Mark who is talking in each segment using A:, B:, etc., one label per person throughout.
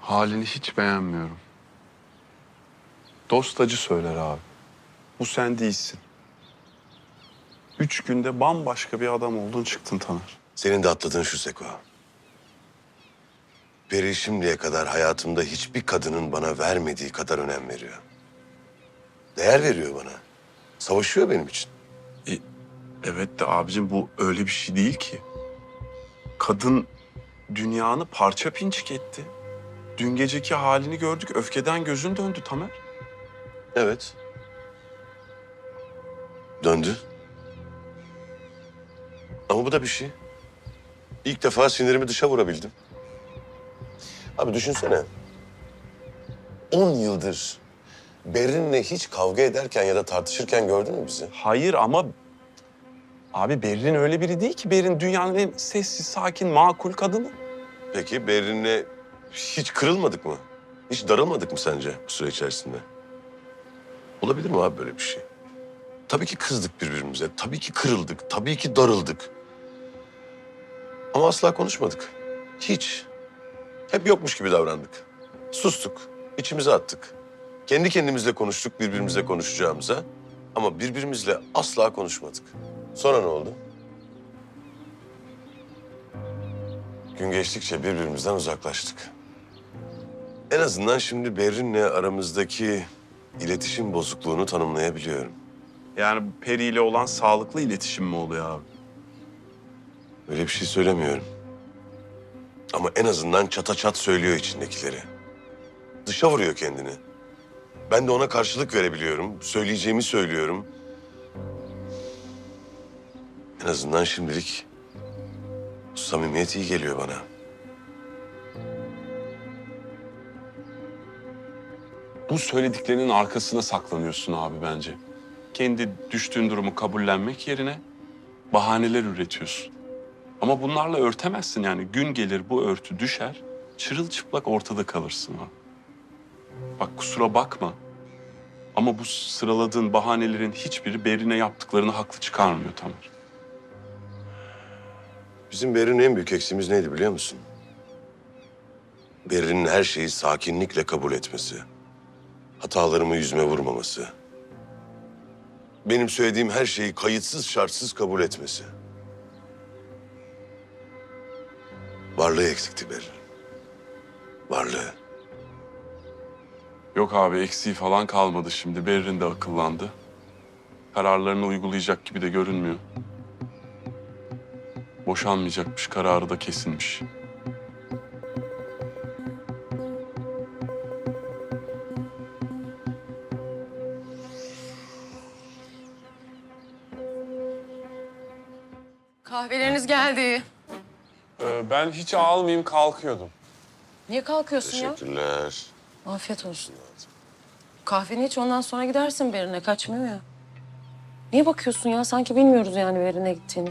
A: Halini hiç beğenmiyorum. Dost acı söyler abi. Bu sen değilsin. 3 günde bambaşka bir adam oldun çıktın Taner.
B: Senin de atladığın şu Seko. Peri şimdiye kadar hayatımda hiçbir kadının bana vermediği kadar önem veriyor. Değer veriyor bana. Savaşıyor benim için.
A: Evet de abicim bu öyle bir şey değil ki. Kadın dünyanı parça pinçik etti. Dün geceki halini gördük. Öfkeden gözün döndü Tamer.
B: Evet. Döndü. Ama bu da bir şey. İlk defa sinirimi dışa vurabildim. Abi düşünsene. 10 yıldır Berrin'le hiç kavga ederken ya da tartışırken gördün mü bizi?
A: Hayır ama abi Berrin öyle biri değil ki. Berrin dünyanın en sessiz, sakin, makul kadını.
B: Peki Berrin'le hiç kırılmadık mı? Hiç darılmadık mı sence bu süre içerisinde? Olabilir mi abi böyle bir şey? Tabii ki kızdık birbirimize, tabii ki kırıldık, tabii ki darıldık. Ama asla konuşmadık. Hiç. Hep yokmuş gibi davrandık. Sustuk, içimize attık. Kendi kendimizle konuştuk birbirimizle konuşacağımıza. Ama birbirimizle asla konuşmadık. Sonra ne oldu? Gün geçtikçe birbirimizden uzaklaştık. En azından şimdi Berrin'le aramızdaki iletişim bozukluğunu tanımlayabiliyorum.
A: Yani Peri ile olan sağlıklı iletişim mi oluyor abi?
B: Öyle bir şey söylemiyorum. Ama en azından çata çat söylüyor içindekileri. Dışa vuruyor kendini. Ben de ona karşılık verebiliyorum. Söyleyeceğimi söylüyorum. En azından şimdilik bu samimiyet iyi geliyor bana.
A: Bu söylediklerinin arkasına saklanıyorsun abi bence. Kendi düştüğün durumu kabullenmek yerine bahaneler üretiyorsun. Ama bunlarla örtemezsin yani. Gün gelir bu örtü düşer, çırılçıplak ortada kalırsın abi. Bak kusura bakma ama bu sıraladığın bahanelerin hiçbiri Berrin'e yaptıklarını haklı çıkarmıyor Tamer.
B: Bizim Berrin'in en büyük eksiğimiz neydi biliyor musun? Berrin'in her şeyi sakinlikle kabul etmesi. Hatalarımı yüzüme vurmaması. Benim söylediğim her şeyi kayıtsız şartsız kabul etmesi. Varlığı eksikti Berrin. Varlığı.
A: Yok abi eksiği falan kalmadı şimdi. Berrin de akıllandı. Kararlarını uygulayacak gibi de görünmüyor. Boşanmayacakmış, kararı da kesinmiş.
C: Kahveleriniz geldi.
A: Ben hiç almayayım kalkıyordum.
C: Niye kalkıyorsun ya?
B: Teşekkürler.
C: Afiyet olsun. Kahveni iç ondan sonra gidersin Berin'e. Kaçmıyor ya. Niye bakıyorsun ya? Sanki bilmiyoruz yani Berin'e gittiğini.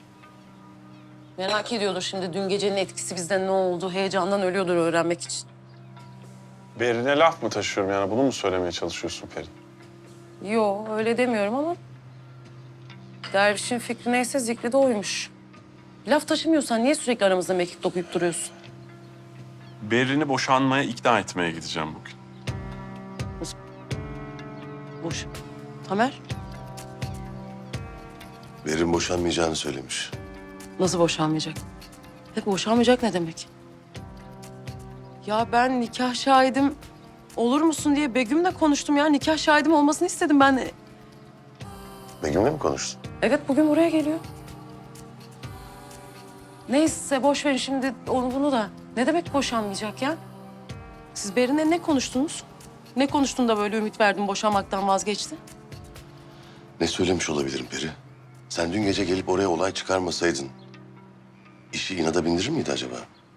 C: Merak ediyordur şimdi dün gecenin etkisi bizden ne oldu? Heyecandan ölüyordur öğrenmek için.
D: Berrin'e laf mı taşıyorum yani? Bunu mu söylemeye çalışıyorsun Peri?
C: Yo öyle demiyorum ama... Dervişin fikri neyse zikri de oymuş. Laf taşımıyorsan niye sürekli aramızda mekik dokuyup duruyorsun?
A: Berrin'i boşanmaya ikna etmeye gideceğim bugün.
C: Boş. Tamer,
B: Berrin boşanmayacağını söylemiş.
C: nasıl boşanmayacak? Hep boşanmayacak ne demek? Ya ben nikah şahidim olur musun diye Begüm'le konuştum ya. Nikah şahidim olmasını istedim ben.
B: Begüm'le mi konuştun?
C: Evet bugün buraya geliyor. Neyse boş verin şimdi onu bunu da. Ne demek boşanmayacak ya? Siz Berin'le ne konuştunuz? Ne konuştun da böyle ümit verdin boşanmaktan vazgeçti?
B: Ne söylemiş olabilirim Peri? Sen dün gece gelip oraya olay çıkarmasaydın... ...işi inada bindirir miydi acaba?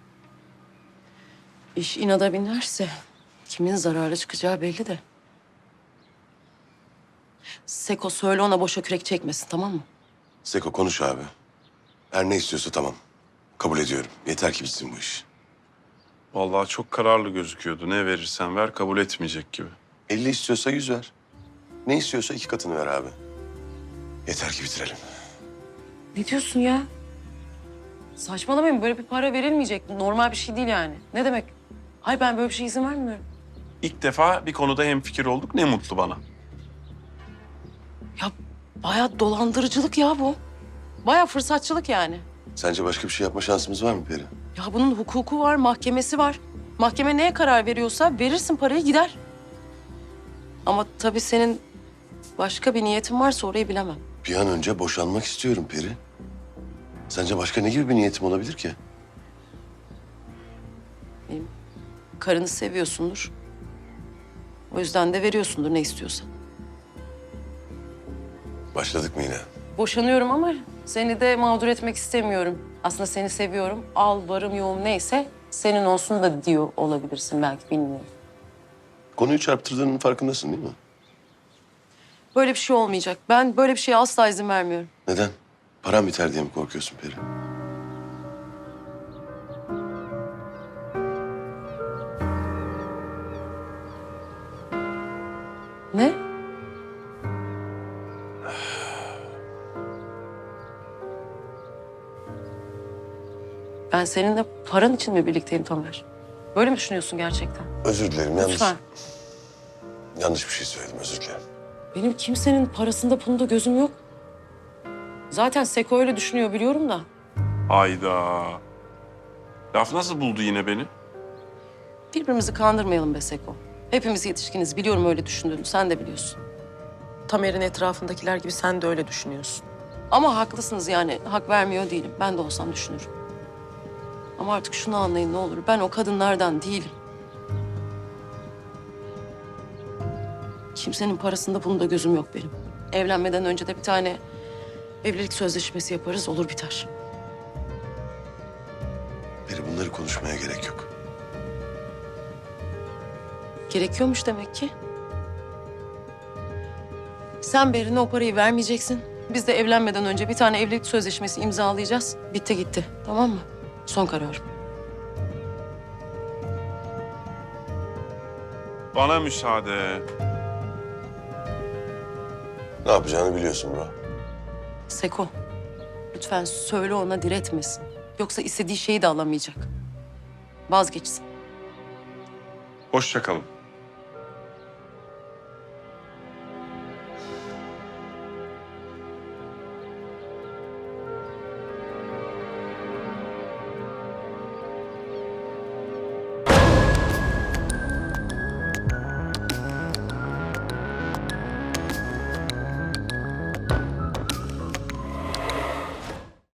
C: İş inada binerse kimin zararlı çıkacağı belli de. Seko söyle ona boşa kürek çekmesin tamam mı?
B: Seko konuş abi. Her ne istiyorsa tamam. Kabul ediyorum. Yeter ki bitsin bu iş.
A: Vallahi çok kararlı gözüküyordu. Ne verirsen ver kabul etmeyecek gibi.
B: 50 istiyorsa 100 ver. Ne istiyorsa 2 katını ver abi. Yeter ki bitirelim.
C: Ne diyorsun ya? Saçmalamayın böyle bir para verilmeyecek. Normal bir şey değil yani. Ne demek? Hayır ben böyle bir şey izin vermiyorum.
A: İlk defa bir konuda hemfikir olduk. Ne mutlu bana.
C: Ya bayağı dolandırıcılık ya bu. Bayağı fırsatçılık yani.
B: Sence başka bir şey yapma şansımız var mı Peri?
C: Ya bunun hukuku var, mahkemesi var. Mahkeme neye karar veriyorsa verirsin parayı gider. Ama tabii senin başka bir niyetin varsa orayı bilemem.
B: Bir an önce boşanmak istiyorum Peri. Sence başka ne gibi bir niyetim olabilir ki?
C: Karını seviyorsundur. O yüzden de veriyorsundur ne istiyorsan.
B: Başladık mı yine?
C: Boşanıyorum ama seni de mağdur etmek istemiyorum. Aslında seni seviyorum. Al varım yoğum neyse senin olsun da diyor olabilirsin belki bilmiyorum.
B: Konuyu çarptırdığının farkındasın değil mi?
C: Böyle bir şey olmayacak. Ben böyle bir şeye asla izin vermiyorum.
B: Neden? Param biter diye mi korkuyorsun Peri?
C: Ne? Ben seninle paran için mi birlikteyim Tamer? Böyle mi düşünüyorsun gerçekten?
B: Özür dilerim.
C: Lütfen.
B: Yanlış bir şey söyledim. Özür dilerim.
C: Benim kimsenin parasında pulunda gözüm yok. Zaten Seko öyle düşünüyor biliyorum da.
A: Hayda. Laf nasıl buldu yine beni?
C: Birbirimizi kandırmayalım be Seko. Hepimiz yetişkiniz. Biliyorum öyle düşündüğünü. Sen de biliyorsun. Tamer'in etrafındakiler gibi sen de öyle düşünüyorsun. Ama haklısınız yani. Hak vermiyor değilim. Ben de olsam düşünürüm. Ama artık şunu anlayın ne olur. Ben o kadınlardan değilim. Kimsenin parasında bunda gözüm yok benim. Evlenmeden önce de bir tane evlilik sözleşmesi yaparız. Olur biter.
B: Peri bunları konuşmaya gerek yok.
C: Gerekiyormuş demek ki. Sen Berin'e o parayı vermeyeceksin. Biz de evlenmeden önce bir tane evlilik sözleşmesi imzalayacağız. Bitti gitti. Tamam mı? Son kararım.
A: Bana müsaade.
B: Ne yapacağını biliyorsun bro.
C: Seko, lütfen söyle ona diretmesin. Yoksa istediği şeyi de alamayacak. Vazgeçsin.
A: Hoşça kalın.